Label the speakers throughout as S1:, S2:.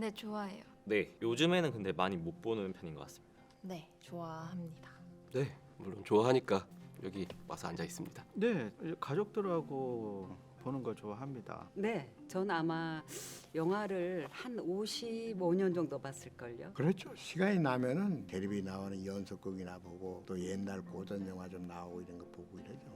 S1: 네, 좋아해요.
S2: 네, 요즘에는 근데 많이 못 보는 편인 것 같습니다.
S3: 네, 좋아합니다.
S4: 네, 물론 좋아하니까 여기 와서 앉아 있습니다.
S5: 네, 가족들하고 보는 걸 좋아합니다.
S6: 네, 전 아마 영화를 한 55년 정도 봤을걸요.
S7: 그렇죠. 시간이 나면은 텔레비 나오는 연속극이나 보고 또 옛날 고전 영화 좀 나오고 이런 거 보고 이러죠.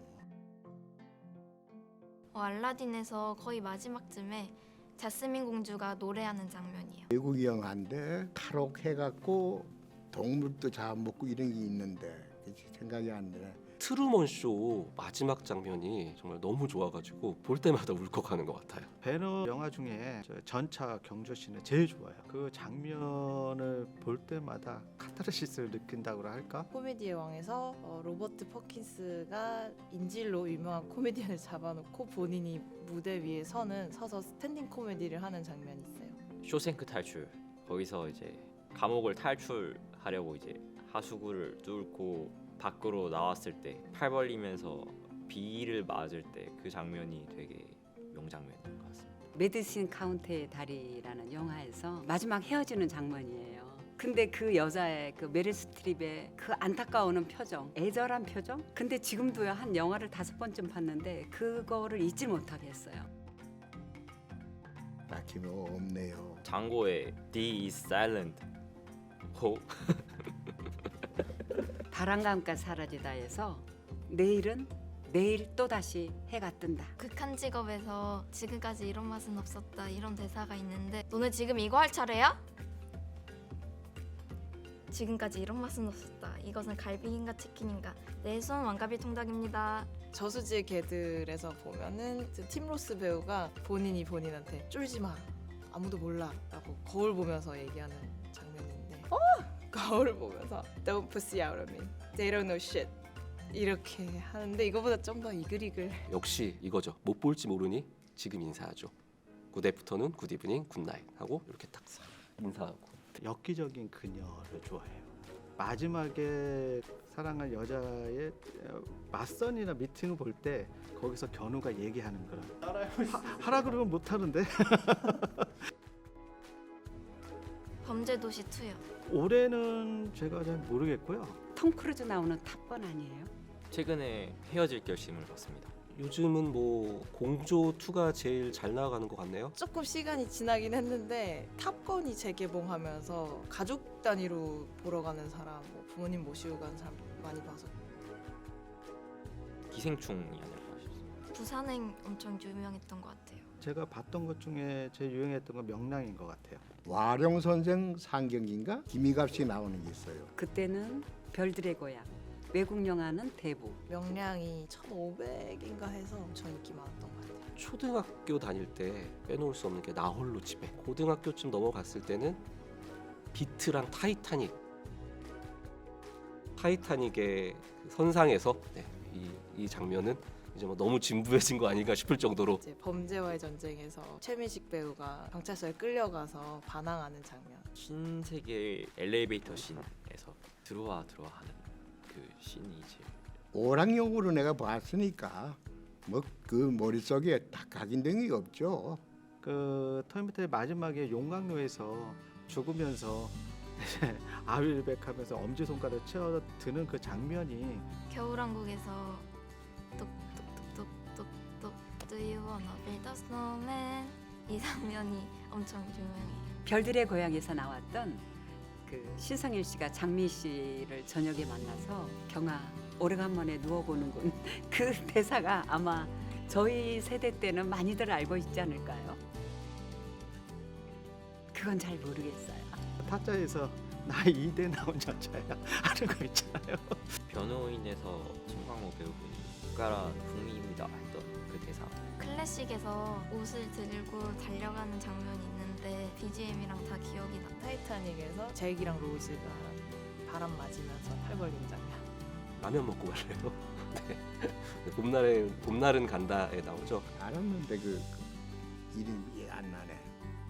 S1: 알라딘에서 거의 마지막쯤에 자스민 공주가 노래하는 장면이에요.
S7: 외국 영화인데 탈옥해갖고 동물도 잡아먹고 이런 게 있는데 생각이 안 나네.
S4: 트루먼 쇼 마지막 장면이 정말 너무 좋아가지고 볼 때마다 울컥하는 것 같아요.
S5: 배너 영화 중에 저 전차 경주씬을 제일 좋아해요. 그 장면을 볼 때마다 카타르시스를 느낀다고 할까?
S3: 코미디의 왕에서 로버트 퍼킨스가 인질로 유명한 코미디언을 잡아놓고 본인이 무대 위에 서서 스탠딩 코미디를 하는 장면이 있어요.
S2: 쇼생크 탈출. 거기서 이제 감옥을 탈출하려고 이제 하수구를 뚫고 밖으로 나왔을 때 팔 벌리면서 비를 맞을 때 그 장면이 되게 명장면인 것 같습니다.
S6: 메디신 카운트의 다리라는 영화에서 마지막 헤어지는 장면이에요. 근데 그 여자의 그 메릴 스트립의 그 안타까워하는 표정, 애절한 표정. 근데 지금도요 한 영화를 5번쯤 봤는데 그거를 잊지 못하겠어요.
S7: 딱히 뭐 없네요.
S2: 장고의 D is silent. 호.
S6: 바람감가 사라지다에서 내일은 내일 또다시 해가 뜬다.
S1: 극한 직업에서 지금까지 이런 맛은 없었다 이런 대사가 있는데 너네 지금 이거 할 차례야? 지금까지 이런 맛은 없었다. 이것은 갈비인가 치킨인가? 내 손 왕갈비 통닭입니다.
S3: 저수지의 개들에서 보면은 팀 로스 배우가 본인이 본인한테 쫄지 마, 아무도 몰라라고 거울 보면서 얘기하는 장면인데, 거울 보면서 Don't pussy out of me, they don't know shit 이렇게 하는데 이거보다 좀 더 이글이글.
S4: 역시 이거죠. 못 볼지 모르니 지금 인사하죠. 굿 애프터눈, 굿 이브닝, 굿 나잇 하고 이렇게 딱 인사하고.
S5: 엽기적인 그녀를 좋아해요. 마지막에 사랑한 여자의 맞선이나 미팅을 볼 때 거기서 견우가 얘기하는 그런 하라 그러면 못 하는데
S1: 범죄도시 2요.
S5: 올해는 제가 잘 모르겠고요.
S6: 톰 크루즈 나오는 탑건 아니에요?
S2: 최근에 헤어질 결심을 했습니다.
S4: 요즘은 뭐 공조 2가 제일 잘 나가는 것 같네요.
S3: 조금 시간이 지나긴 했는데 탑건이 재개봉하면서 가족 단위로 보러 가는 사람, 뭐 부모님 모시고 가는 사람 많이 봐서.
S2: 기생충이 아닐까 싶습니다.
S1: 부산행 엄청 유명했던 것 같아요.
S5: 제가 봤던 것 중에 제일 유행했던 건 명랑인 것 같아요.
S7: 와룡 선생 상경인가 김희갑 씨 나오는 게 있어요.
S6: 그때는 별들의 고향, 외국 영화는 대부.
S3: 명량이 1,500인가 해서 엄청 인기 많았던 것 같아요.
S4: 초등학교 다닐 때 빼놓을 수 없는 게 나 홀로 집에. 고등학교쯤 넘어갔을 때는 비트랑 타이타닉의 그 선상에서 이 장면은 이제 뭐 너무 진부해진 거 아닌가 싶을 정도로.
S3: 이제 범죄와의 전쟁에서 최민식 배우가 경찰서에 끌려가서 반항하는 장면.
S2: 신세계 엘리베이터 씬에서 들어와 하는 그 씬이 제일
S7: 오락용으로 내가 봤으니까 뭐 그 머릿속에 딱 각인된 게 없죠.
S5: 그 터미네이터의 마지막에 용광로에서 죽으면서 아윌백하면서 엄지손가락을 치어드는 그 장면이
S1: 겨울왕국에서 뚝뚝뚝뚝뚝뚝 Do you wanna build a snowman? 이 장면이 엄청 유명해요.
S6: 별들의 고향에서 나왔던 그 신성일 씨가 장미 씨를 저녁에 만나서 경아 오래간만에 누워보는군. 그 대사가 아마 저희 세대 때는 많이들 알고 있지 않을까요? 그건 잘 모르겠어요.
S5: 타짜에서 나 2대 나온 여자야 하는 거 있잖아요.
S2: 변호인에서 송강호 배우분이 국가란 국민입니다 했던 그 대사.
S1: 클래식에서 옷을 들고 달려가는 장면이 있는데 BGM이랑 다 기억이 나.
S3: 타이타닉에서 잭이랑 로즈가 바람 맞으면서 팔 벌린 장면.
S4: 라면 먹고 갈래요? 네. 봄날은 간다에 나오죠.
S7: 알았는데 그 이름이 안 나네.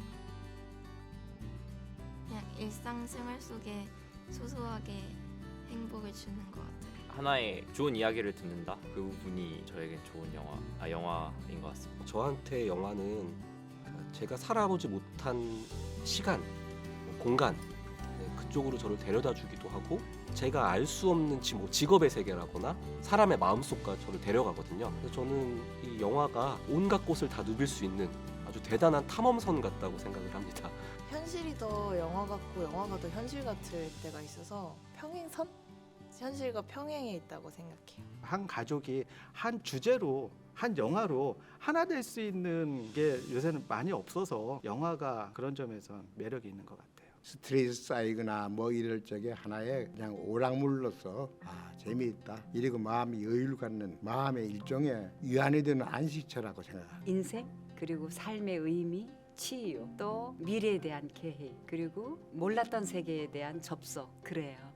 S1: 그냥 일상생활 속에 소소하게 행복을 주는 것 같아요.
S2: 하나의 좋은 이야기를 듣는다. 그 부분이 저에겐 좋은 영화인 것 같습니다.
S4: 저한테 영화는 제가 살아보지 못한 시간, 공간 그쪽으로 저를 데려다 주기도 하고 제가 알 수 없는 직업의 세계라거나 사람의 마음속까지 저를 데려가거든요. 그래서 저는 이 영화가 온갖 곳을 다 누빌 수 있는 아주 대단한 탐험선 같다고 생각을 합니다.
S3: 현실이 더 영화 같고 영화가 더 현실 같을 때가 있어서 평행선? 현실과 평행에 있다고 생각해요.
S5: 한 가족이 한 주제로 한 영화로 하나 될 수 있는 게 요새는 많이 없어서 영화가 그런 점에서 매력이 있는 것 같아요.
S7: 스트레스 쌓이거나 뭐 이럴 적에 하나의 그냥 오락물로서 재미있다. 이러고 마음이 여유를 갖는 마음의 일종의 위안이 되는 안식처라고 생각합니다.
S6: 인생 그리고 삶의 의미, 치유, 또 미래에 대한 계획, 그리고 몰랐던 세계에 대한 접속 그래요.